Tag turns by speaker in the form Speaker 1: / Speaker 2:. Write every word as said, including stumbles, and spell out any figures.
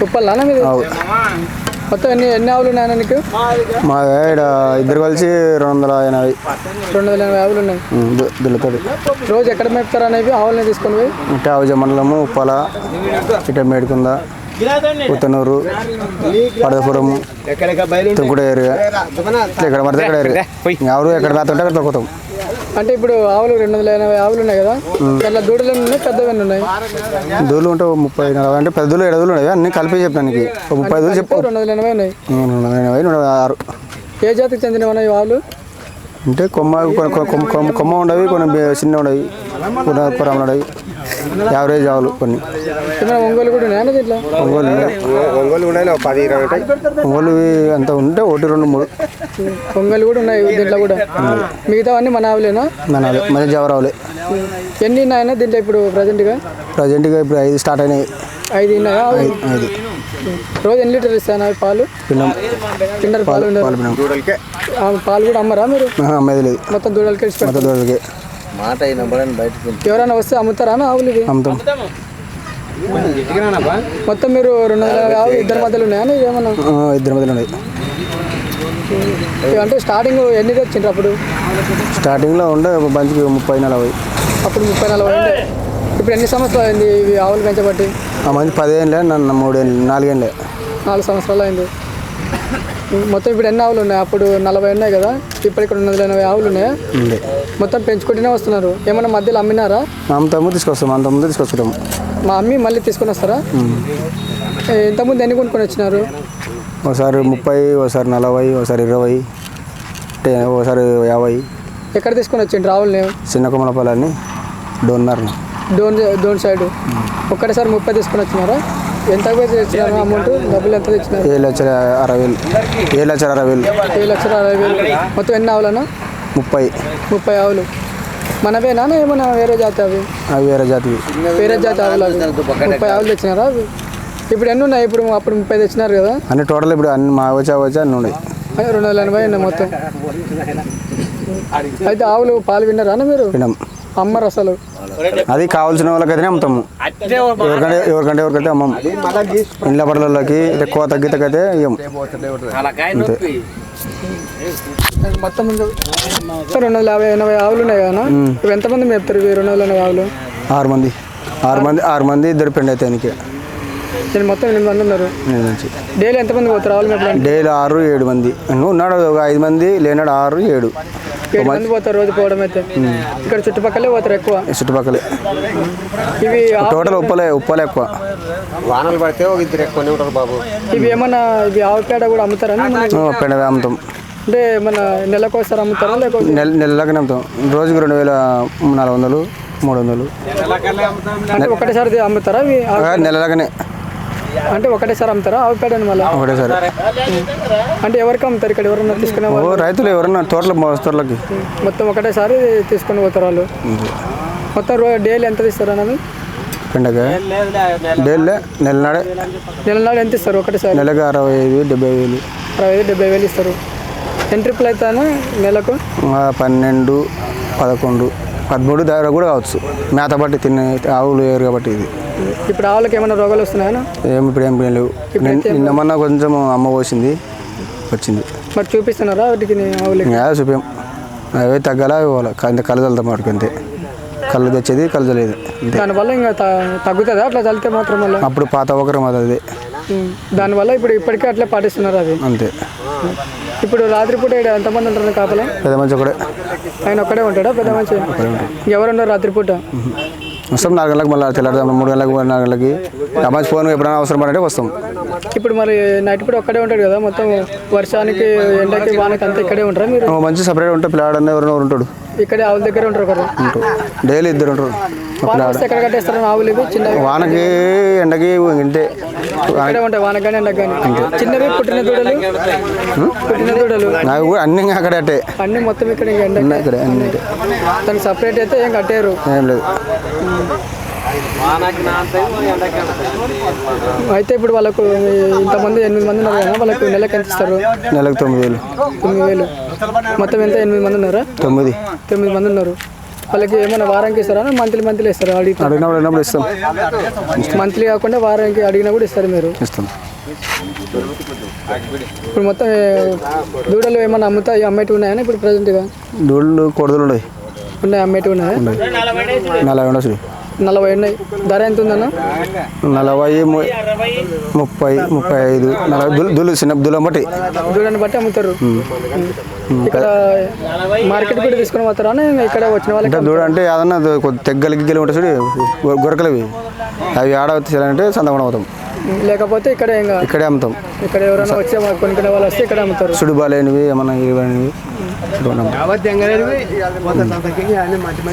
Speaker 1: ఉప్పల్లా మీది? మొత్తం ఎన్ని ఎన్ని ఆవులు ఉన్నాయన్నా నీకు?
Speaker 2: మా ఇక్కడ ఇద్దరు కలిసి రెండు వందల ఎనభై
Speaker 1: రెండు వందల ఎనభై ఆవులు ఉన్నాయి.
Speaker 2: దుల్లతోటి
Speaker 1: రోజు ఎక్కడ మేపుతారు అనేవి ఆవులని తీసుకొని పోయి?
Speaker 2: ఇటు ఆవుజ మండలము ఉప్పల, ఇటు మేడికుంద, పుత్తనూరు, పడదపురం, తుంకుడ ఏరియా, ఎక్కడ పడితే ఎక్కడ ఏరియా ఎవరు ఎక్కడ మేతుంటే అక్కడ తొక్కుతాం.
Speaker 1: అంటే ఇప్పుడు ఆవులు రెండు వందల ఎనభై ఆవులు ఉన్నాయి కదా, అట్లా దూడలు ఉన్నాయి, పెద్దవన్నీ ఉన్నాయి.
Speaker 2: దూడలు ఉంటే ముప్పై నలభై అంటే పెద్ద దూడలు ఎడదూలు ఉన్నాయి, అన్ని కలిపి చెప్తాను నీకు. ముప్పై దూలు చెప్పు.
Speaker 1: రెండు వందల ఎనభై ఉన్నాయి.
Speaker 2: రెండు వందల ఎనభై రెండు వందల ఆరు.
Speaker 1: ఏ జాతికి చెందినవి ఆవులు?
Speaker 2: అంటే కొమ్మ కొమ్మ కొమ్మ ఉండవి, కొన్ని చిన్న ఉండవి, కొన్ని పొరం ఉండవి, యావరేజ్ ఆవులు కొన్ని.
Speaker 1: ఒంగోలు కూడా ఉన్నాయా దీంట్లో?
Speaker 2: ఒంగోలు ఒంగోలు ఉన్నాయి, పది ఇరవై ఉంటాయి. ఒంగోలు అంత ఉంటే ఒకటి రెండు మూడు.
Speaker 1: ఒంగోలు కూడా ఉన్నాయి దీంట్లో కూడా. మిగతా అన్నీ మన ఆవులేనా?
Speaker 2: మన మన జవరావులే.
Speaker 1: ఎన్ని ఉన్నాయన్నా దీంట్లో ఇప్పుడు ప్రజెంట్గా?
Speaker 2: ప్రజెంట్గా ఇప్పుడు ఐదు స్టార్ట్ అయినాయి.
Speaker 1: ఐదు ఉన్నాయా?
Speaker 2: ఐదు.
Speaker 1: రోజు ఎన్ని లీటర్లు ఇస్తాను అవి పాలు?
Speaker 2: పిన్నం
Speaker 1: కిండర్ పాలు ఉండవు. పాలు కూడా అమ్మరా మీరు?
Speaker 2: అమ్మేది లేదు,
Speaker 1: మొత్తం దూడలకి
Speaker 2: మొత్తం దూడలకి.
Speaker 1: ఎవరైనా వస్తే అమ్ముతారా ఆవులు?
Speaker 2: అమ్ముతాం.
Speaker 1: మొత్తం మీరు రెండు వందల ఆవులు ఇద్దరి మధ్యలో ఉన్నాయా ఏమన్నా?
Speaker 2: ఇద్దరి మధ్యలో ఉన్నాయి.
Speaker 1: అంటే స్టార్టింగ్ ఎన్ని తెచ్చిండ్రు అప్పుడు?
Speaker 2: స్టార్టింగ్లో ఉండే మంచికి ముప్పై నలభై.
Speaker 1: అప్పుడు ముప్పై నలభై ఉండే. ఇప్పుడు ఎన్ని సంవత్సరాలు అయింది ఇవి ఆవులు పెంచబట్టి?
Speaker 2: ఆ మంచి పదిహేనులే, నన్ను మూడేళ్ళు నాలుగేళ్ళే.
Speaker 1: నాలుగు సంవత్సరాలు అయింది. మొత్తం ఇప్పుడు ఎన్ని ఆవులు ఉన్నాయి? అప్పుడు నలభై ఉన్నాయి కదా, ఇప్పుడు ఇక్కడ రెండు వందల ఎనభై ఆవులు ఉన్నాయా? మొత్తం పెంచుకుంటూనే వస్తున్నారు. ఏమన్నా మధ్యలో అమ్మినారా?
Speaker 2: అమ్ముతాము, తీసుకొస్తాం. అంతకుముందు తీసుకొచ్చుకుంటాము.
Speaker 1: మా అమ్మి మళ్ళీ తీసుకొని వస్తారా? ఇంతకుముందు ఎన్ని కొనుక్కొని వచ్చినారు?
Speaker 2: ఒకసారి ముప్పై, ఒకసారి నలభై, ఒకసారి ఇరవై, ఒకసారి యాభై.
Speaker 1: ఎక్కడ తీసుకొని వచ్చిండ్రు ఆవులు?
Speaker 2: చిన్న కొమ్మలపల్లి డోన్నర్
Speaker 1: డోన్ డోన్ సైడ్. ఒక్కటేసారి ముప్పై తీసుకొని వచ్చినారా? ఎంత తెచ్చినారు అమౌంట్? డబ్బులు ఎంత తెచ్చినారు?
Speaker 2: ఏడు లక్షల అరవై వేలు. ఏడు లక్షల అరవై వేలు.
Speaker 1: ఏడు లక్షల అరవై వేలు. మొత్తం ఎన్ని ఆవులన్నా?
Speaker 2: ముప్పై.
Speaker 1: ముప్పై ఆవులు మనవేనా ఏమన్నా వేరే జాతి? అవి
Speaker 2: అవి వేరే జాతి.
Speaker 1: వేరే జాతి ఆవులు. అవి ముప్పై ఆవులు తెచ్చినారా? అవి ఇప్పుడు ఎన్ని ఉన్నాయి? ఇప్పుడు అప్పుడు ముప్పై తెచ్చినారు కదా
Speaker 2: అన్ని టోటల్. ఇప్పుడు అన్ని మా వచ్చా వచ్చా అన్ని ఉన్నాయి.
Speaker 1: రెండు వందల ఎనభై ఉన్నాయి మొత్తం. అయితే ఆవులు పాలు విన్నారా మీరు?
Speaker 2: విన్నాం.
Speaker 1: అమ్మరు అసలు?
Speaker 2: అది కావాల్సిన వాళ్ళకైతేనే అమ్ముతాము. ఎవరికంటే ఎవరికంటే ఎవరికైతే అమ్మము. ఇండ్ల పడలకి ఎక్కువ తగ్గితకైతే ఇవ్వము.
Speaker 1: మొత్తం రెండు వందల యాభై ఎనభై ఆవులు ఉన్నాయి కదా, ఇవి ఎంతమంది మేపుతారు ఇవి రెండు వందల ఎనభై ఆవులు?
Speaker 2: ఆరు మంది. ఆరు మంది ఆరు మంది ఇద్దరు పెండి అయితే ఆయనకి.
Speaker 1: నేను మొత్తం ఎనిమిది మంది ఉన్నారు. డైలీ ఎంతమంది పోతారు ఆవులు మేపడానికి?
Speaker 2: డైలీ ఆరు ఏడు మంది. ఉన్నాడు ఒక ఐదు మంది, లేనాడు ఆరు ఏడు
Speaker 1: ఏడు మంది పోతారు రోజు పోవడం అయితే. ఇక్కడ చుట్టుపక్కలే పోతారు ఎక్కువ?
Speaker 2: చుట్టుపక్కలే.
Speaker 1: ఇవి
Speaker 2: టోటల్ ఉప్పలే ఉప్పలే ఎక్కువ.
Speaker 3: వానలు పడితే ఒక ఇద్దరు ఎక్కువనే ఉంటారు బాబు.
Speaker 1: ఇవి ఏమన్నా ఇవి ఆవు పేడ కూడా అమ్ముతారా?
Speaker 2: పెండ అమ్ముతాం.
Speaker 1: అంటే మన నెలకు ఒకసారి అమ్ముతారా లేకపోతే?
Speaker 2: నెల నెలలకి అమ్ముతాం. రోజుకి రెండు వేల నాలుగు వందలు మూడు వందలు.
Speaker 1: అంటే ఒకటేసారి అమ్ముతారా?
Speaker 2: నెలలకనే.
Speaker 1: అంటే ఒకటేసారి అమ్ముతారా ఆవు పేడని? మళ్ళీ
Speaker 2: ఒకటేసారి.
Speaker 1: అంటే ఎవరికి అమ్ముతారు ఇక్కడ? ఎవరన్నా తీసుకునే వాళ్ళు?
Speaker 2: రైతులు ఎవరన్నా తోటలు మోస్తర్లకి
Speaker 1: మొత్తం ఒకటేసారి తీసుకొని పోతారు వాళ్ళు. మొత్తం రోజు డైలీ ఎంత ఇస్తారు అన్నది?
Speaker 2: పెండగా డైలీ నెలనాడే.
Speaker 1: నెలనాడు ఎంత ఇస్తారు ఒకటేసారి?
Speaker 2: నెలకి అరవై ఐదు డెబ్బై వేలు.
Speaker 1: అరవై ఐదు డెబ్బై వేలు ఇస్తారు. ఎన్ని ట్రిప్పులు అవుతాను నెలకు?
Speaker 2: పన్నెండు పదకొండు పదమూడు దగ్గర కూడా కావచ్చు. మేత బట్టి తినే ఆవులు వేరు కాబట్టి. ఇది
Speaker 1: ఇప్పుడు ఆవులకి ఏమైనా రోగాలు వస్తున్నాయా?
Speaker 2: ఏమి ఇప్పుడు ఏం లేవు. నిన్నమన్నా కొంచెం అమ్మ పోసింది వచ్చింది.
Speaker 1: మరి చూపిస్తున్నారా వాటికి ఆవులకి?
Speaker 2: చూపాం. అవే తగ్గాలా ఇవ్వాలి. ఇంత కళ్ళు చల్లుతాం వాటికి. అంతే కళ్ళు తెచ్చేది కళ్ళు చల్లేదు.
Speaker 1: దానివల్ల ఇంకా తగ్గుతుందా అట్లా చల్లితే మాత్రం? వల్ల
Speaker 2: అప్పుడు పాత ఒకరం అది.
Speaker 1: దానివల్ల ఇప్పుడు ఇప్పటికే అట్లా పాటిస్తున్నారు అది.
Speaker 2: అంతే.
Speaker 1: ఇప్పుడు రాత్రిపూట ఎంతమంది ఉంటారు కాపలా?
Speaker 2: పెద్ద మంచి ఒకడే.
Speaker 1: ఆయన ఒక్కడే ఉంటాడా పెద్ద మంచి? ఎవరున్నారు రాత్రిపూట?
Speaker 2: వస్తాం నాలుగు గంటలకు, మళ్ళీ తెల్లారుదాం మూడు గంటలకు, నాలుగు గంటలకి. అమ్మాయి ఫోన్ ఎప్పుడైనా అవసరం పడంటే వస్తాం.
Speaker 1: ఇప్పుడు మరి నైట్ పూట ఒక్కడే ఉంటాడు కదా, మొత్తం వర్షానికి ఎండకి వానకి అంతా ఇక్కడే ఉంటారా మీరు?
Speaker 2: మంచి సపరేట్ ఉంటే పిల్లాడన్నా ఎవరైనా ఉంటాడు.
Speaker 1: ఇక్కడే ఆవుల దగ్గర ఉంటారు కదా?
Speaker 2: డైలీ ఇద్దరు ఉంటారు.
Speaker 1: ఎక్కడ కట్టేస్తారు ఆవులు? ఇవి చిన్న
Speaker 2: వానకి ఎండకి ఇంటే
Speaker 1: ఇక్కడే ఉంటాయి. వానకి కానీ ఎండకి కానీ. చిన్నవి పుట్టిన దూడలు పుట్టిన దూడలు
Speaker 2: నాకు కూడా అన్ని అక్కడే అట్టే.
Speaker 1: అన్ని మొత్తం ఇక్కడ ఎండ
Speaker 2: ఇక్కడ అన్ని
Speaker 1: దానికి సపరేట్ అయితే ఏం కట్టారు?
Speaker 2: ఏం లేదు.
Speaker 1: అయితే ఇప్పుడు వాళ్ళకు ఇంతమంది ఎనిమిది మంది ఉన్నారు కదా, వాళ్ళకు నెలకు ఎంత ఇస్తారు?
Speaker 2: నెలకు తొమ్మిది వేలు.
Speaker 1: తొమ్మిది వేలు మొత్తం ఎంత? ఎనిమిది మంది ఉన్నారా?
Speaker 2: తొమ్మిది
Speaker 1: తొమ్మిది మంది ఉన్నారు. వాళ్ళకి ఏమైనా వారానికి ఇస్తారా మంత్లీ మంత్లీ ఇస్తారా అడిగి
Speaker 2: అడిగినప్పుడు అడిగినప్పుడు ఇస్తాం
Speaker 1: మంత్లీ కాకుండా వారానికి అడిగినా కూడా ఇస్తారు మీరు
Speaker 2: ఇస్తాం.
Speaker 1: ఇప్పుడు మొత్తం ఏ, దూడలు ఏమైనా అమ్ముతా అమ్మేటివి ఉన్నాయని ఇప్పుడు ప్రజెంట్గా
Speaker 2: దూడలు కొడదలు ఉన్నాయి
Speaker 1: ఉన్నాయి అమ్మేటివి ఉన్నాయా
Speaker 2: నలభై ఉండొచ్చు
Speaker 1: నలభై ఉన్నాయి ధర ఎంత ఉందన్న
Speaker 2: నలభై ము- ముప్పై ముప్పై ఐదు నలభై దులు దులు చిన్న దులం బట్టి
Speaker 1: దూడని బట్టి అమ్ముతారు ఇక్కడ మార్కెట్ కూడా తీసుకొని పోతారా ఇంకా ఇక్కడ వచ్చిన వాళ్ళకి
Speaker 2: అంటే దూడ అంటే ఏదన్నా తెగ్గలు గిగ్గలు ఉంటాయి చూడు గొ- గొరకలవి అవి ఆడ చేయాలంటే సంతకుండా అవుతాం
Speaker 1: లేకపోతే ఇక్కడ ఇంకా
Speaker 2: ఇక్కడే అమ్ముతాం.
Speaker 1: ఇక్కడ ఎవరైనా వచ్చే కొనుక్కునే వాళ్ళు వస్తే ఇక్కడ అమ్ముతారు
Speaker 2: సుడి బాలేనివి ఏమన్నా ఇవనివి